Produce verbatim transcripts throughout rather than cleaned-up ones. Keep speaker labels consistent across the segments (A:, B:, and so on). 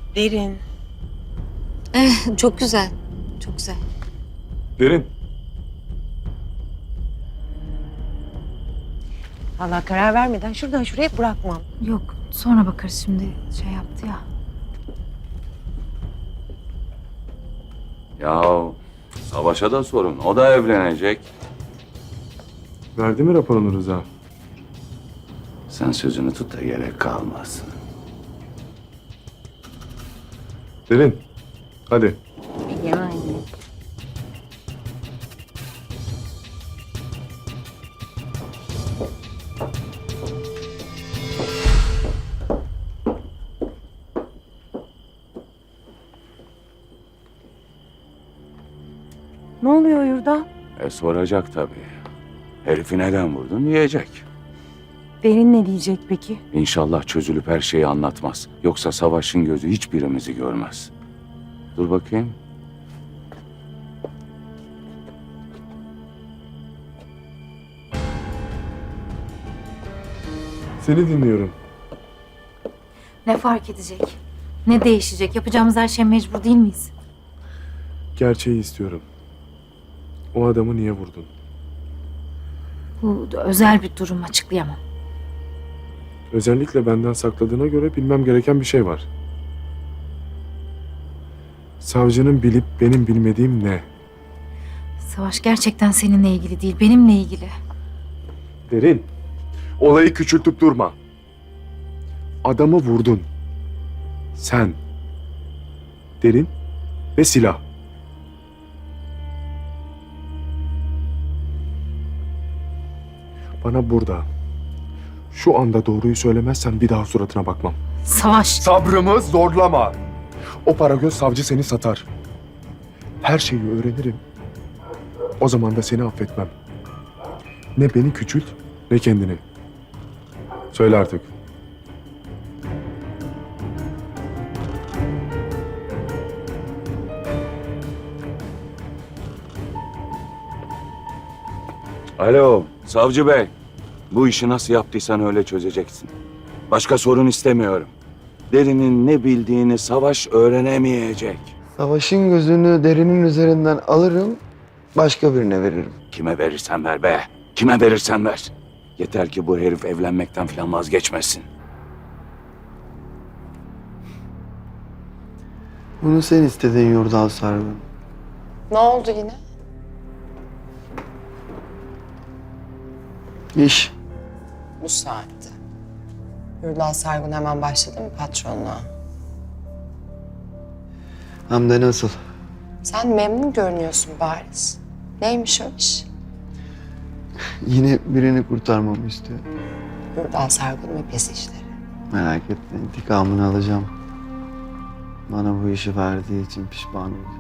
A: Derin.
B: Eh, çok güzel. Çok güzel.
C: Derin.
A: Vallahi karar vermeden şuradan şuraya bırakmam.
B: Yok, sonra bakarız şimdi. Şey yaptı ya.
D: Ya Savaş'a da sorun. O da evlenecek.
C: Verdi mi raporunu Rıza?
D: Sen sözünü tut da gerek kalmasın.
C: Derin. Hadi.
A: Yani. Ne oluyor Yurda?
D: E soracak tabii. Herifi neden vurdun diyecek.
A: Derin ne diyecek peki?
D: İnşallah çözülüp her şeyi anlatmaz. Yoksa Savaş'ın gözü hiçbirimizi görmez. Dur bakayım.
C: Seni dinliyorum.
B: Ne fark edecek? Ne değişecek? Yapacağımız her şeye mecbur değil miyiz?
C: Gerçeği istiyorum. O adamı niye vurdun?
B: Bu özel bir durum, açıklayamam.
C: Özellikle benden sakladığına göre bilmem gereken bir şey var. Savcının bilip benim bilmediğim ne?
B: Savaş gerçekten seninle ilgili değil, benimle ilgili.
C: Derin. Olayı küçültüp durma. Adamı vurdun. Sen. Derin ve silah. Bana burada, şu anda doğruyu söylemezsen bir daha suratına bakmam.
B: Savaş.
C: Sabrımı zorlama. O paragöz savcı seni satar. Her şeyi öğrenirim. O zaman da seni affetmem. Ne beni küçült, ne kendini. Söyle artık.
D: Alo, savcı bey. Bu işi nasıl yaptıysan öyle çözeceksin. Başka sorun istemiyorum. Derin'in ne bildiğini Savaş öğrenemeyecek.
E: Savaşın gözünü Derin'in üzerinden alırım, başka birine veririm.
D: Kime verirsen ver be. Kime verirsen ver. Yeter ki bu herif evlenmekten falan vazgeçmesin.
E: Bunu sen istedin Yurdal Sargun.
F: Ne oldu yine?
E: İş.
F: Bu saatte. Yurdal Sargun hemen başladı mı patronluğa?
E: Hem de nasıl?
F: Sen memnun görünüyorsun bariz. Neymiş o iş?
E: Yine birini kurtarmamı istiyor.
F: Yurdal Sargun ve pes işleri.
E: Merak etme, intikamını alacağım. Bana bu işi verdiği için pişman olacağım.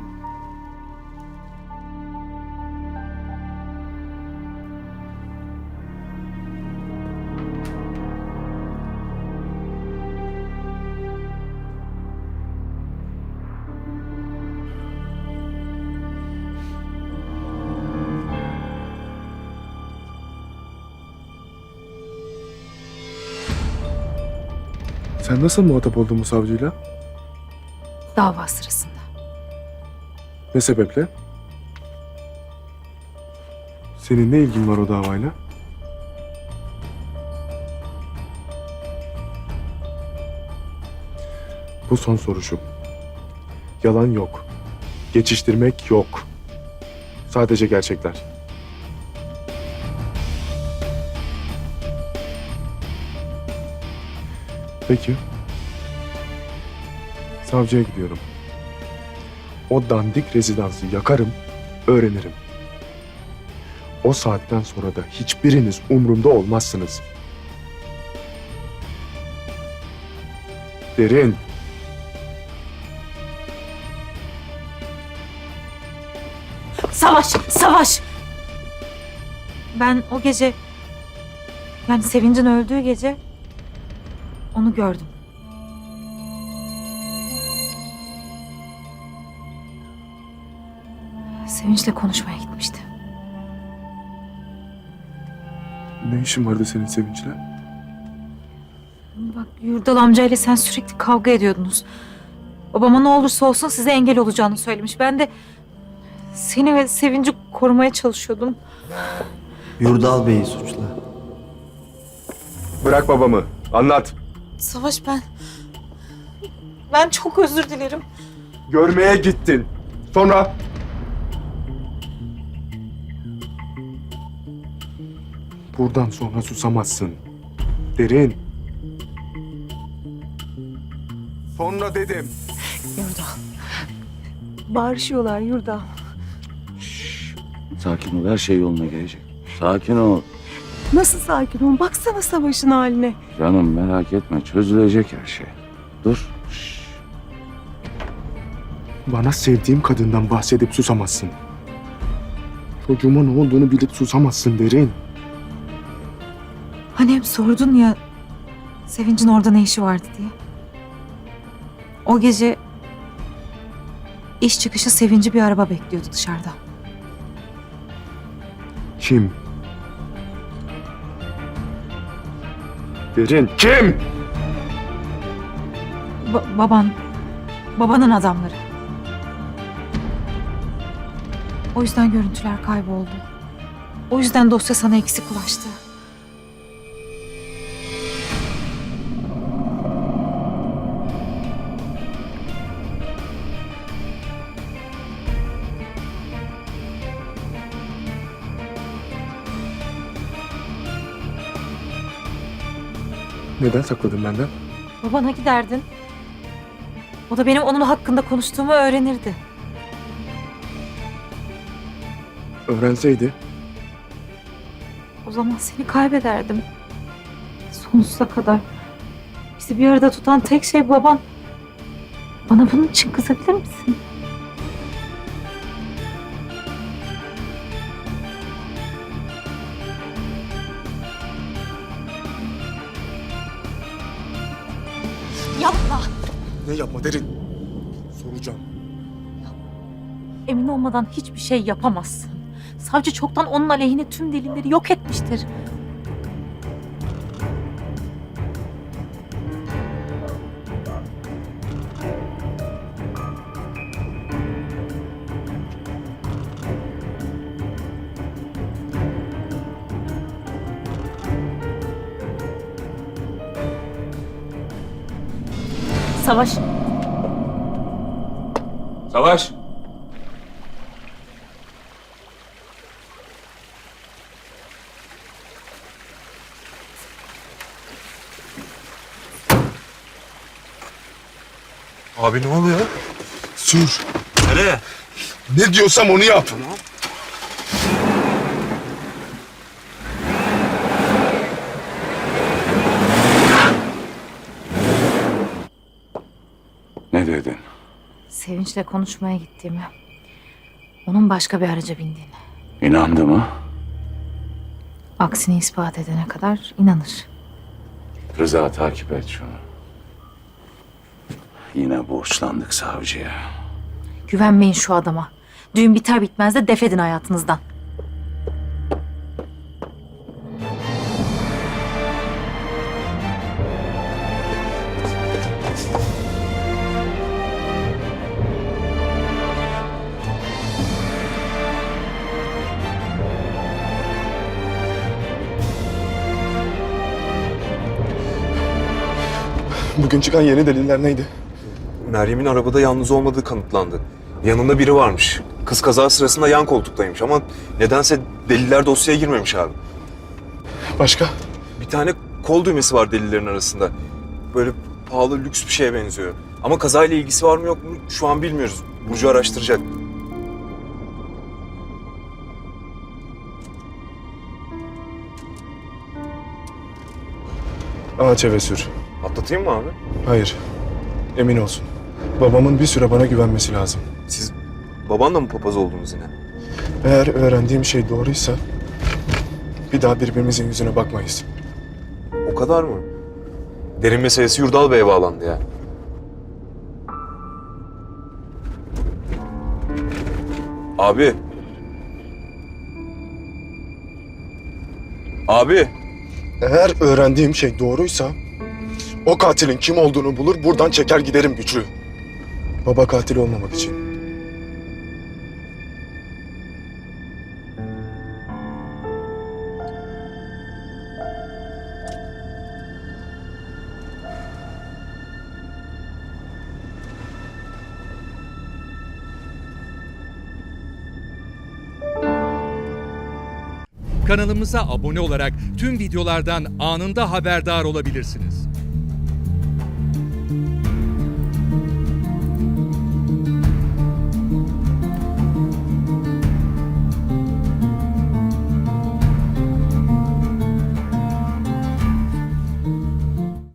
C: Sen nasıl muhatap oldun bu savcıyla?
B: Dava sırasında.
C: Ne sebeple? Senin ne ilgin var o davayla? Bu son soruşum. Yalan yok. Geçiştirmek yok. Sadece gerçekler. Peki. Savcıya gidiyorum. O dandik rezidansı yakarım, öğrenirim. O saatten sonra da hiçbiriniz umrumda olmazsınız. Derin.
B: Savaş! Savaş! Ben o gece... Yani Sevinç'in öldüğü gece... Onu gördüm. Sevinç'le konuşmaya gitmişti.
C: Ne işin vardı senin Sevinç'le?
B: Bak Yurdal amcayla sen sürekli kavga ediyordunuz. Babama ne olursa olsun size engel olacağını söylemiş. Ben de seni ve Sevinci korumaya çalışıyordum.
E: Yurdal Bey'i suçla.
C: Bırak babamı. Anlat.
B: Savaş ben... Ben çok özür dilerim.
C: Görmeye gittin. Sonra? Buradan sonra susamazsın. Derin. Sonra dedim.
A: Yurdal. Bağırışıyorlar Yurdal.
D: Sakin ol, her şey yoluna gelecek. Sakin ol.
A: Nasıl sakin ol? Baksana Savaş'ın haline.
D: Canım merak etme, çözülecek her şey. Dur. Şşş.
C: Bana sevdiğim kadından bahsedip susamazsın. Çocuğuma ne olduğunu bilip susamazsın Derin.
B: Hani hep sordun ya Sevinç'in orada ne işi vardı diye. O gece iş çıkışı Sevinç'i bir araba bekliyordu dışarıda.
C: Kim? Derin kim?
B: Ba- baban, babanın adamları. O yüzden görüntüler kayboldu. O yüzden dosya sana eksik ulaştı.
C: Neden sakladın benden?
B: Babana giderdin. O da benim onun hakkında konuştuğumu öğrenirdi.
C: Öğrenseydi
B: O zaman seni kaybederdim. Sonsuza kadar. Bizi bir arada tutan tek şey baban. Bana bunun için kızabilir misin? Yapma.
C: ne yapma Derin? Soracağım.
B: Emin olmadan hiçbir şey yapamazsın. Savcı çoktan onun aleyhine tüm delilleri yok etmiştir. Savaş.
D: Savaş.
C: Abi ne oluyor? Sür.
G: Nereye?
C: Ne diyorsam onu yap.
D: Ne dedin?
B: Sevinç'le konuşmaya gittiğimi, onun başka bir araca bindiğini,
D: İnandı mı?
B: aksini ispat edene kadar inanır.
D: Rıza takip et şunu. Yine borçlandık savcıya.
B: Güvenmeyin şu adama. Düğün biter bitmez de def edin hayatınızdan.
C: Bugün çıkan yeni deliller neydi?
G: Meryem'in arabada yalnız olmadığı kanıtlandı. Yanında biri varmış. Kız kaza sırasında yan koltuktaymış ama nedense deliller dosyaya girmemiş abi.
C: Başka?
G: Bir tane kol düğmesi var delillerin arasında. Böyle pahalı lüks bir şeye benziyor. Ama kazayla ilgisi var mı yok mu şu an bilmiyoruz. Burcu araştıracak.
C: Ağaç eve sür.
G: Atlatayım mı abi?
C: Hayır. Emin olsun. Babamın bir süre bana güvenmesi lazım.
G: Siz babanla mı papaz oldunuz yine?
C: Eğer öğrendiğim şey doğruysa bir daha birbirimizin yüzüne bakmayız.
G: O kadar mı? Derin meselesi Yurdal Bey'e bağlandı ya. Abi. Abi.
C: Eğer öğrendiğim şey doğruysa o katilin kim olduğunu bulur buradan çeker giderim güçlü. Baba katil olmamak için.
H: Kanalımıza abone olarak tüm videolardan anında haberdar olabilirsiniz.